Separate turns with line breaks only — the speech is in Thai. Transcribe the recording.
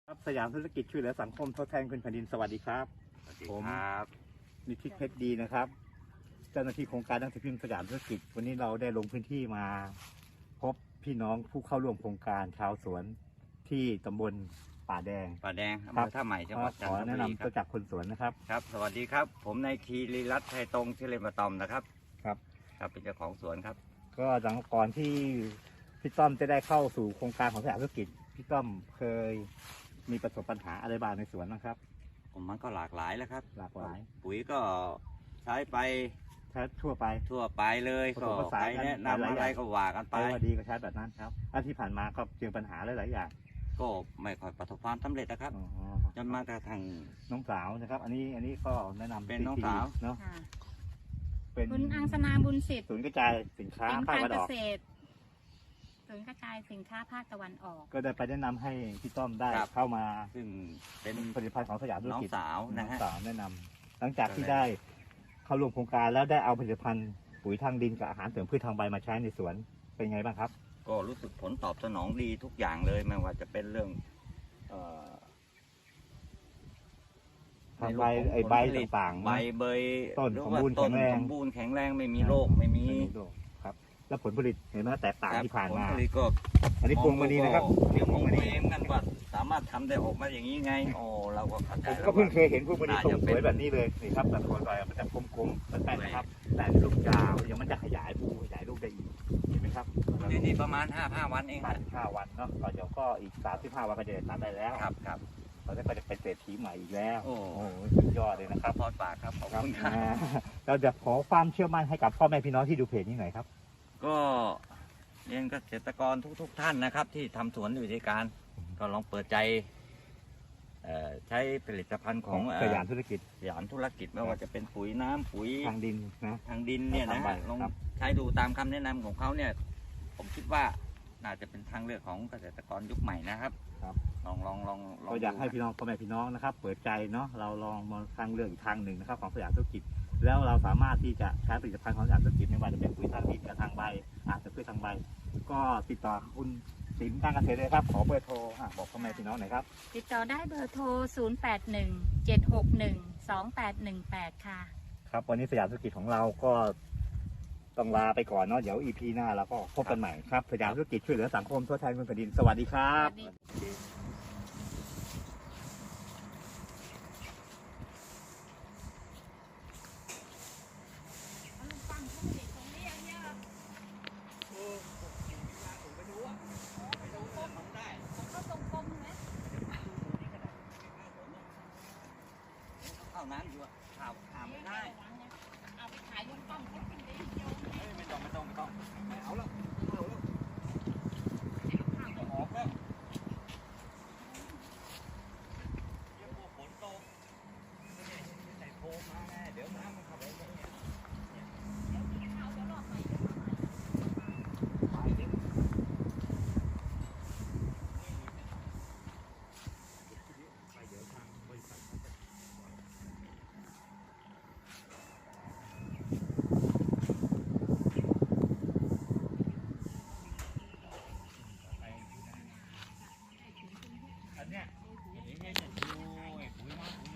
ครับสยามธุรกิจช่วยเหลือสังคมทดแทนคุณแผ่นดินสวัสดีครับ
สวัสดีครับ
นิติเพชรดีนะครับ เจ้าหน้าที่โครงการหนังสือพิมพ์สยามธุรกิจวันนี้เราได้ลงพื้นที่มา พบพี่น้องผู้เข้าร่วมโครงการชาวสวนที่ตำบลป่าแดง
ป่าแดงอำ
ค
เภ
รับ
อท่าใหม่จังหวัดจัน
ขอ
ทบุ
แนะ
รี
นำ
ค
ตัว
รับ
จากคนสวนนะครับ
ครับ สวัสดีครับ ผมนายคีรีรัตน์ไทยตรงชื่อเล่นมาตอมนะครับ
ครับ
ครับเป็นเจ้าของสวนครับ
ก็หลังก่อนที่พี่ต้อมจะได้เข้าสู่โครงการของสยามธุรกิจพี่ต้อมเคยมีประสบปัญหาอะไรบ้างในสวนนะครับ
ผมมันก็หลากหลายแล้วครับ
หลากหลาย
ปุ๋ยก็ใช้ไป
ใช้ทั่วไป
ทั่วไปเลย
ผ
ก็
สมผสาน
ใคร
กัน
แนะ
หลาย
นำ
ๆ
อะไร
อย่าง
ก็ว่ากัน
ไป
ไป
ว่าดีก็ใช้แบบนั้นครับอันที่ผ่านมาก็เจอปัญหาหลายๆอย่าง
ก็ไม่ค่อยประสบความสำเร็จนะครับ
อ๋อ
จนมากระทั่ง
น้องสาวนะครับ อันนี้ก็แนะนำ
เป็นน้อง
ที่
สาว
เนาะ
ค่ะ
เป็น
คุณอังสนาบุญสิทธิ์
ศูนย์กระจายสินค้า
เป็น
ภาค
การ
ตะวัน
เก
ออก
ษตรศูนย์กระจายสินค้าภาคตะวันออก
ก็ได้ไปแนะนำให้พี่ต้อมได้
ครับ
เข้ามา
ซึ่งเป็น
ผลิตภัณฑ์ของสยามธุร
น้อง
กิจ
สาวนะ
น้อง
ฮะ
สาวแนะนำหลังจากที่
ก็เลย
ได้เข้าร่วมโครงการแล้วได้เอาผลิตภัณฑ์ปุ๋ยทางดินกับอาหารเสริมพืชทางใบมาใช้ในสวนเป็นไงบ้างครับ
ก็รู้สึกผลตอบสนองดีทุกอย่างเลยไม่ว่าจะเป็นเรื่องเอ่อ
ทางใบไอ้ใบต่างๆ
ใบ
นะ
เบย
ต้น
หรือ
สม
ว่า
บูรณ์
ต้
แข็งแรง
สมบูรณ์แข็งแรงไม่มีโรคไม่มี
โรคครับ แล้วผลผลิตเห็นไหมแตกต่าง
ครับ
ที่ผ่านมา
ผลผลิตก็
อันนี้พวงมณีนะครับ
เดี๋ยวมองเองกันว่าสามารถทำได้ออกมาอย่างนี้ไงโอ้เราก็เข้าใจ
ผม
แล้ว
ก็เพิ่ง
ว่า
เคยเห็นพวกมันทรงสวยแบบนี้เลยนี่ครับแต่คนลอยมันจะกลมๆแป้นๆนะครับ แต่ลูกยาวเดี๋ยวมันจะขยายภูขยายลูกได้อีกเห็นไหมครับ
นี่ประมาณ5 วันเอง
ตั
นะ
ด5 วันเนาะก็เดี๋ยวก็อีก35 วันก็จะได้ตัดได้แล้ว
ครับครับ
เราก็จะเป็นเศรษฐีใหม่อีกแล้ว
โอ้
โอ้โหสุดยอดเลยนะครับ
พอดปากครับขอบคุณครับ
เราจะขอความเชื่อมั่นให้กับพ่อแม่พี่น้องที่ดูเพจนี้หน่อยครับ
ก็เรียนเกษตรกรทุกท่านนะครับ ที่ทำสวนอยู่ที่การก็ลองเปิดใจใช้ผลิตภัณฑ์ของ
สยามธุรกิจ
สยามธุรกิจไม่ว่าจะเป็นปุ๋ยน้ำปุ๋ย
ทางดินนะ
ทางดินเนี่ยนะ
ทางใบ
ลอง
ครับ
ใช้ดูตามคำแนะนำของเขาเนี่ย ผมคิดว่าน่าจะเป็นทางเลือกของเกษตรกรยุคใหม่นะครับ
ครับ
ลอง
ก็อยากให้พี่น้องพ่อแม่พี่น้องนะครับ เปิดใจเนาะเราลองมาทางเลือกอีกทางหนึ่งนะครับของสยามธุรกิจ แล้วเราสามารถที่จะใช้ผลิตภัณฑ์ของสยามธุรกิจไม่ว่าจะเป็นปุ๋ยทางดินกับทางใบอาจจะพืชทางใบ ก็ติดต่อคุณสินการเกษตรเลยครับขอเบอร์โทรบอกพ่อแม่พี่น้องหน่อยครับ
ติดต่อได้เบอร์โทร 0817612818 ค่ะ
ครับวันนี้สยามธุรกิจของเราก็ต้องลาไปก่อนเนาะเดี๋ยว EP หน้าเราก็พบกันใหม่ครับสยามธุรกิจช่วยเหลือสังคมทดแทนคุณแผ่นดินสวัสดีครับ
สวัสดี
เข้าน้ำอยู่อะข่าวไม่ได้
เอาไปขายลุงป้อมเขากินได้เดียว
ไม่ต้องไม่เอาแล้วเอาแล้วออกแล้วเดี๋ยวพอฝนตกใส่โฟมมาไงเดี๋ยวน้ำมันเข้าไปในเนี่ย
เดี๋ยวกินข้าวเดี๋ยวรอบใหม่เดี๋ยวรอบใหม่
ไปเดี๋ยวไปเดี๋ยวทางบริษัท
อันเนี้ยอย่างนี้เนี่ยดูปุ๋ยน้ำปุ๋ย